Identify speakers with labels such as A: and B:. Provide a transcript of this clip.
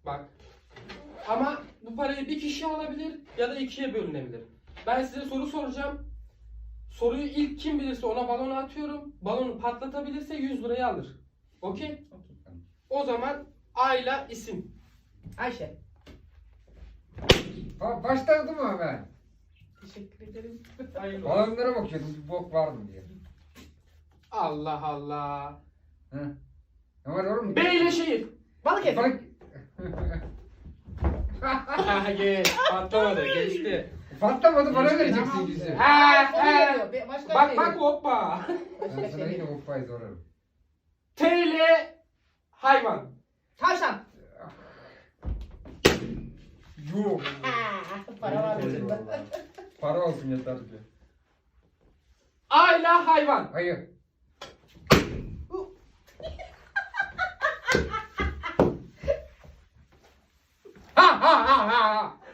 A: Bak. Ama bu parayı bir kişi alabilir ya da ikiye bölünebilir. Ben size soru soracağım. Soruyu ilk kim bilirse ona balonu atıyorum. Balonu patlatabilirse 100 lirayı alır. Okey? O zaman Ayla isim.
B: Ayşe.
C: Başladım mı ben?
B: Teşekkür ederim.
A: Hayırlı olsun.
C: Balonlara bakıyordum bir bok var mı diye.
A: Allah Allah.
C: Hı. Ne var oğlum?
A: B ile şehir.
B: Balıkesir.
C: Bak.
A: Geç. Patlamadı. Geçti.
C: Patlamadı bana
A: Geçti.
C: vereceksin
B: Tamam.
C: yüzü.
A: Ha,
B: Onu
A: ha.
B: veriyor. Başka
A: Bak
B: şey
A: bak
B: yok.
A: hoppa.
B: Başka
C: Ben sana
B: şey
C: yine
B: yok.
C: hoppayı sorarım.
A: T ile hayvan.
B: Tavşan.
C: Yok.
B: Para var ucunda.
C: Para olsun yeter ki.
A: A ile hayvan.
C: Hayır. Ha ha ha ha.